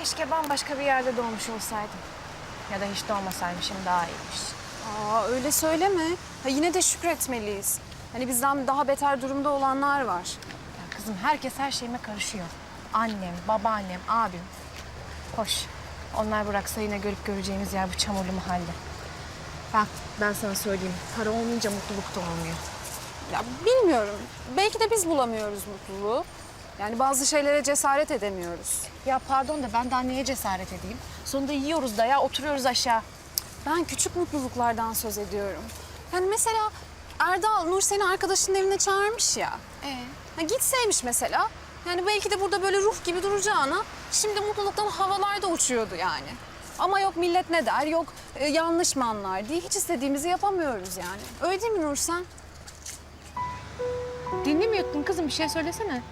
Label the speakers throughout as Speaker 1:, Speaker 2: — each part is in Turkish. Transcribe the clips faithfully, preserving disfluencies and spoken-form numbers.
Speaker 1: Keşke bambaşka bir yerde doğmuş olsaydım. Ya da hiç doğmasaymışım daha iyiymiş.
Speaker 2: Aa öyle söyleme. Ha, yine de şükretmeliyiz. Hani bizden daha beter durumda olanlar var.
Speaker 1: Ya kızım herkes her şeyime karışıyor. Annem, babaannem, abim. Hoş. Onlar bıraksa yine görüp göreceğimiz yer bu çamurlu mahalle. Bak ben sana söyleyeyim. Para olmayınca mutluluk da olmuyor.
Speaker 2: Ya bilmiyorum. Belki de biz bulamıyoruz mutluluğu. Yani bazı şeylere cesaret edemiyoruz.
Speaker 1: Ya pardon da ben daha neye cesaret edeyim? Sonunda yiyoruz da ya oturuyoruz aşağı.
Speaker 2: Ben küçük mutluluklardan söz ediyorum. Yani mesela Erdal Nur seni arkadaşının evine çağırmış ya.
Speaker 1: Ee?
Speaker 2: Ha, gitseymiş mesela. Yani belki de burada böyle ruh gibi duracağına şimdi mutluluktan havalarda uçuyordu yani. Ama yok millet ne der, yok e, yanlış mı anlar diye hiç istediğimizi yapamıyoruz yani. Öyle değil mi Nursen?
Speaker 1: Dinlemiyordun kızım bir şey söylesene.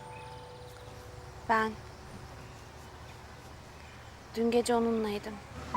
Speaker 3: Ben dün gece onunlaydım.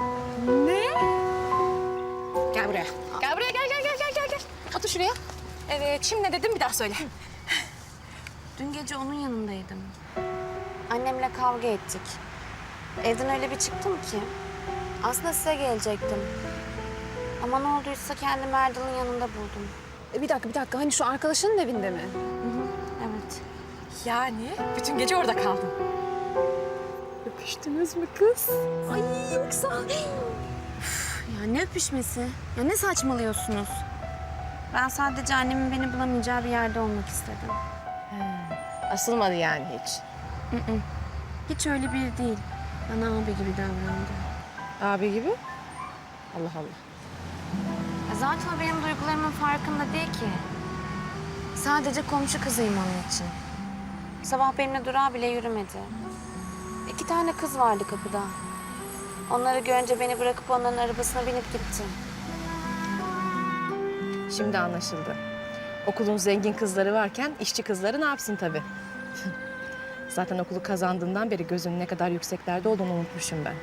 Speaker 1: Gel buraya. Gel buraya gel gel gel gel gel gel. Otur şuraya. Evet şimdi ne dedim bir daha söyle.
Speaker 3: Dün gece onun yanındaydım. Annemle kavga ettik. Evden öyle bir çıktım ki. Aslında size gelecektim. Ama ne olduysa kendimi Erdal'ın yanında buldum.
Speaker 2: E, bir dakika bir dakika hani şu arkadaşının evinde mi?
Speaker 3: Evet.
Speaker 1: Yani bütün gece orada kaldın.
Speaker 2: Öpüştünüz mü kız? Ay yoksa...
Speaker 3: Ya ne öpüşmesi? Ya ne saçmalıyorsunuz? Ben sadece annemin beni bulamayacağı bir yerde olmak istedim.
Speaker 1: Asılmadı yani hiç.
Speaker 3: Hiç öyle biri değil. Bana abi gibi davrandı.
Speaker 1: Abi gibi? Allah Allah.
Speaker 3: Ya zaten o benim duygularımın farkında değil ki. Sadece komşu kızıyım onun için. Sabah benimle durağa bile yürümedi. İki tane kız vardı kapıda. Onları görünce beni bırakıp onların arabasına binip gitti.
Speaker 1: Şimdi anlaşıldı. Okulun zengin kızları varken işçi kızları ne yapsın tabii. Zaten okulu kazandığından beri gözünün ne kadar yükseklerde olduğunu unutmuşum ben.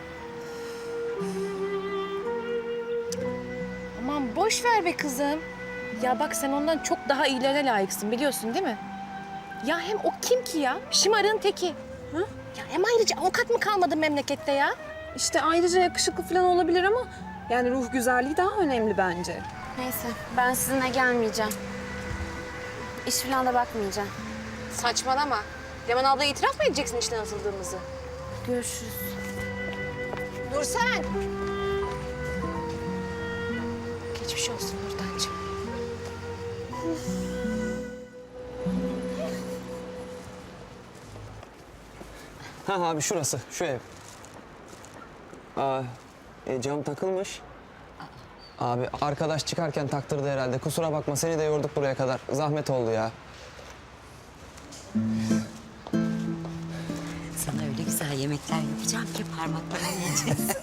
Speaker 1: Aman boş ver be kızım. Ya bak sen ondan çok daha iyilerine layıksın biliyorsun değil mi? Ya hem o kim ki ya? Şımarığın teki. Hı? Ya hem ayrıca avukat mı kalmadı memlekette ya?
Speaker 2: İşte ayrıca yakışıklı falan olabilir ama... yani ruh güzelliği daha önemli bence.
Speaker 3: Neyse ben sizinle gelmeyeceğim. İş falan da bakmayacağım.
Speaker 1: Saçmalama. Leman ablaya itiraf mı edeceksin işten atıldığımızı?
Speaker 3: Görüşürüz.
Speaker 1: Nursen! Geçmiş olsun Nurdancığım.
Speaker 4: Ha abi şurası, şu ev. Aa, e, cam takılmış. Abi arkadaş çıkarken taktırdı herhalde. Kusura bakma seni de yorduk buraya kadar. Zahmet oldu ya.
Speaker 5: Sana öyle güzel yemekler yapacağım ki parmaklarını yiyeceksin.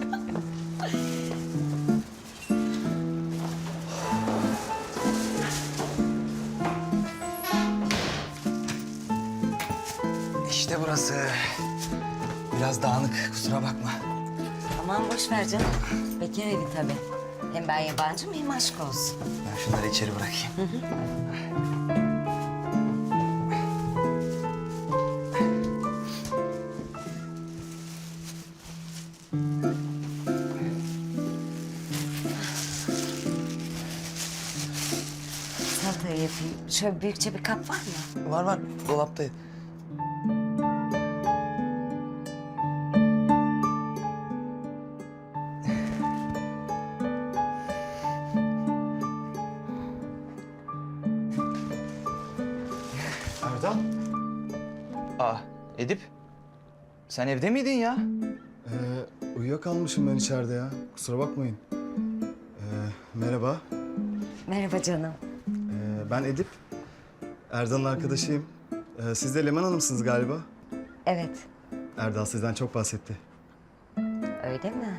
Speaker 4: İşte burası. Biraz dağınık, kusura bakma.
Speaker 5: Aman boş ver canım. Bekar evi tabii. Hem ben yabancım hem aşk olsun.
Speaker 4: Ben şunları içeri bırakayım.
Speaker 5: Salatayı yapayım. Şöyle büyükçe bir kap var mı?
Speaker 4: Var var, dolapta.
Speaker 6: Erdal,
Speaker 7: Aa, Edip. Sen evde miydin ya?
Speaker 6: ee, uyuyakalmışım ben içeride ya. Kusura bakmayın. Ee, merhaba,
Speaker 5: Merhaba canım.
Speaker 6: ee, ben Edip. Erdal'ın arkadaşıyım. Ee, siz de Leman Hanım'sınız galiba.
Speaker 5: Evet,
Speaker 6: Erdal sizden çok bahsetti.
Speaker 5: öyle mi?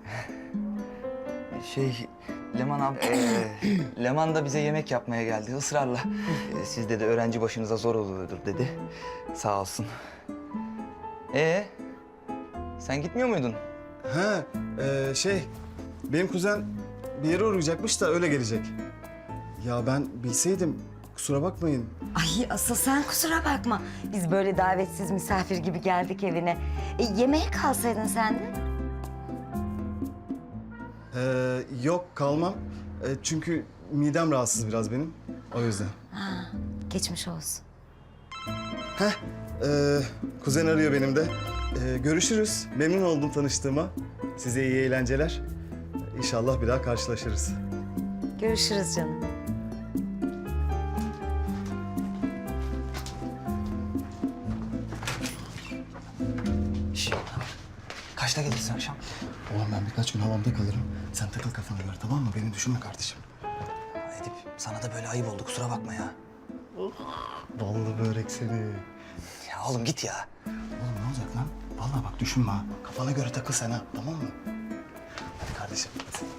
Speaker 7: Şey, Leman abi, eee, Leman da bize yemek yapmaya geldi ısrarla. Eee, Sizde de öğrenci başınıza zor oluyordur dedi. Sağ olsun. Ee, sen gitmiyor muydun?
Speaker 6: Ha, ee, şey, benim kuzen bir yere uğrayacakmış da öyle gelecek. Ya ben bilseydim, kusura bakmayın.
Speaker 5: Ay asıl sen kusura bakma. Biz böyle davetsiz misafir gibi geldik evine. E, yemeğe kalsaydın sen de.
Speaker 6: Ee, yok kalmam. Ee, çünkü midem rahatsız biraz benim. O yüzden.
Speaker 5: Ha, geçmiş olsun.
Speaker 6: Heh, ee, kuzen arıyor benim de. Ee, görüşürüz. Memnun oldum tanıştığıma. Size iyi eğlenceler. İnşallah bir daha karşılaşırız.
Speaker 5: Görüşürüz canım.
Speaker 4: Şş, kaçta gelirsin akşam?
Speaker 6: Oğlum ben birkaç gün havamda kalırım. Sen takıl kafana göre tamam mı? Beni düşünme kardeşim.
Speaker 4: Edip sana da böyle ayıp oldu kusura bakma ya.
Speaker 6: Ballı börek seni.
Speaker 4: Ya oğlum git ya.
Speaker 6: Oğlum ne olacak lan? Vallahi bak düşünme ha. Kafana göre takıl sen ha. Tamam mı? Hadi kardeşim.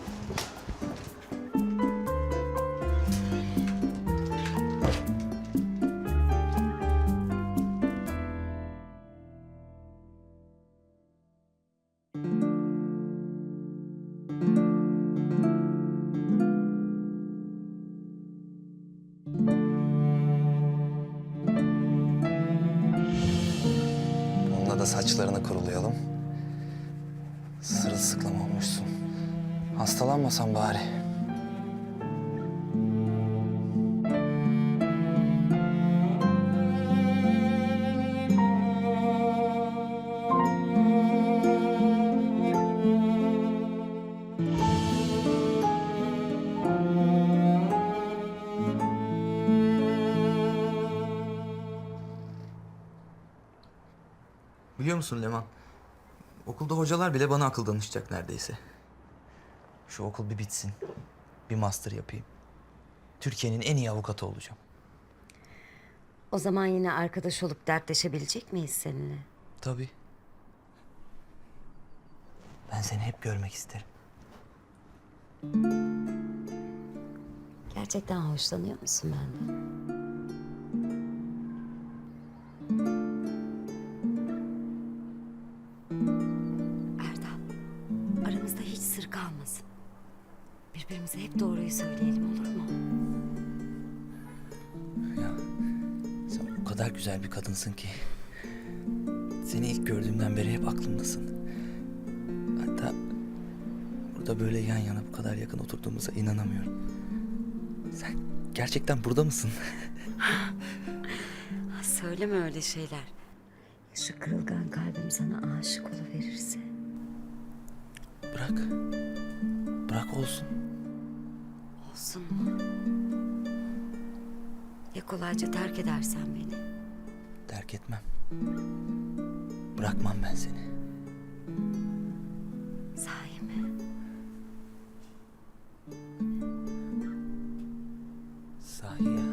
Speaker 4: Onunla da saçlarını kurulayalım. Sırılsıklam olmuşsun. Hastalanmasan bari.
Speaker 7: Biliyor musun Leman? Okulda hocalar bile bana akıl danışacak neredeyse. Şu okul bir bitsin. Bir master yapayım. Türkiye'nin en iyi avukatı olacağım.
Speaker 5: O zaman yine arkadaş olup dertleşebilecek miyiz seninle?
Speaker 7: Tabii. Ben seni hep görmek isterim.
Speaker 5: Gerçekten hoşlanıyor musun benden? Erdal, aramızda hiç sır kalmasın. Birbirimize hep doğruyu söyleyelim olur mu?
Speaker 7: Ya sen o kadar güzel bir kadınsın ki. Seni ilk gördüğümden beri hep aklımdasın. Hatta burada böyle yan yana bu kadar yakın oturduğumuza inanamıyorum. Sen gerçekten burada mısın?
Speaker 5: Söyleme öyle şeyler. Şu kırılgan kalbim sana aşık oluverirse.
Speaker 7: Bırak. Bırak olsun.
Speaker 5: Olsun mu? Ya kolayca terk edersen beni?
Speaker 7: Terk etmem. Bırakmam ben seni.
Speaker 5: Sahi mi?
Speaker 7: Sahi ya.